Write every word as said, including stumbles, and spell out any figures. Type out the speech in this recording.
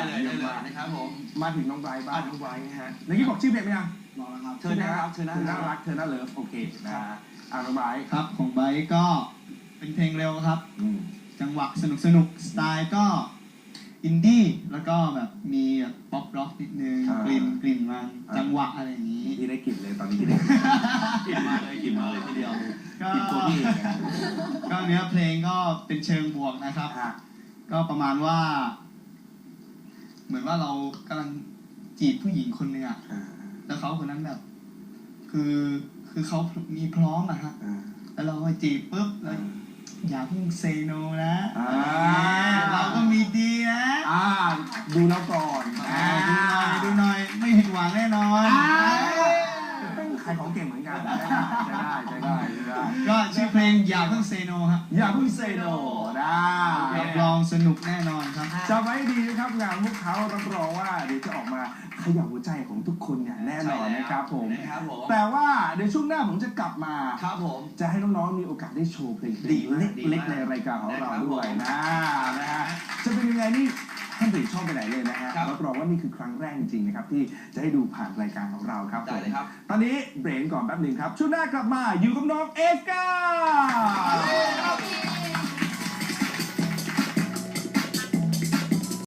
เลยได้เลยนะครับผมมาถึงน้องไบรท์บ้างน้องไบรท์ฮะเมื่อกี้บอกชื่อเพลงไหมยังรอแล้วครับเธอน่ารักเธอน่ารักเธอน่าเลิฟโอเคนะอ่าน้องไบรท์ครับของไบรท์ก็เป็นเพลงเร็วครับจังหวะสนุกสนุกสไตล์ก็อินดี้แล้วก็แบบมีแบบป๊อปร็อกนิดนึงกลิ่นกลิ่นมันจังหวะอะไรอย่างนี้ที่ได้กลิ่นเลยตอนนี้ที่ได้กลิ่นมาเลยกลิ่นมาเลยทีเดียวก็ก็เนื้อเพลงก็เป็นเชิงบวกนะครับก็ประมาณว่าเหมือนว่าเรากำลังจีบผู้หญิงคนหนึ่งอ่ะแล้วเขาคนนั้นแบบคือคือเขามีพร้อมอะฮะแล้วเราไปจีบปุ๊บแล้วอย่าเพิ่งเซโนนะเราก็มีดีนะดูเราก่อนดูหน่อยดูหน่อยไม่ผิดหวังแน่นอนขายของเก่งเหมือนกันได้ได้ได้ได้ก็ชื่อเพลงอย่าเพิ่งเซโนฮะอย่าเพิ่งเซโนนะรับรองสนุกแน่นอนครับจำไว้ดีนะครับงานพวกเขารับรองว่าเดี๋ยวจะออกมาขยับหัวใจของทุกคนอย่างแน่นอนนะครับผมแต่ว่าเดี๋ยวช่วงหน้าผมจะกลับมาครับผมจะให้น้องๆมีโอกาสได้โชว์เพลงดีเล็กๆในรายการของเราด้วยนะนะฮะจะเป็นยังไงนี่ท่านเปลี่ยนช่องไปไหนเลยนะฮะรับรองว่านี่คือครั้งแรกจริงๆนะครับที่จะให้ดูผ่านรายการของเราครับได้เลยครับตอนนี้เบรกก่อนแป๊บหนึ่งครับช่วงหน้ากลับมาอยู่กับน้องเอฟก้า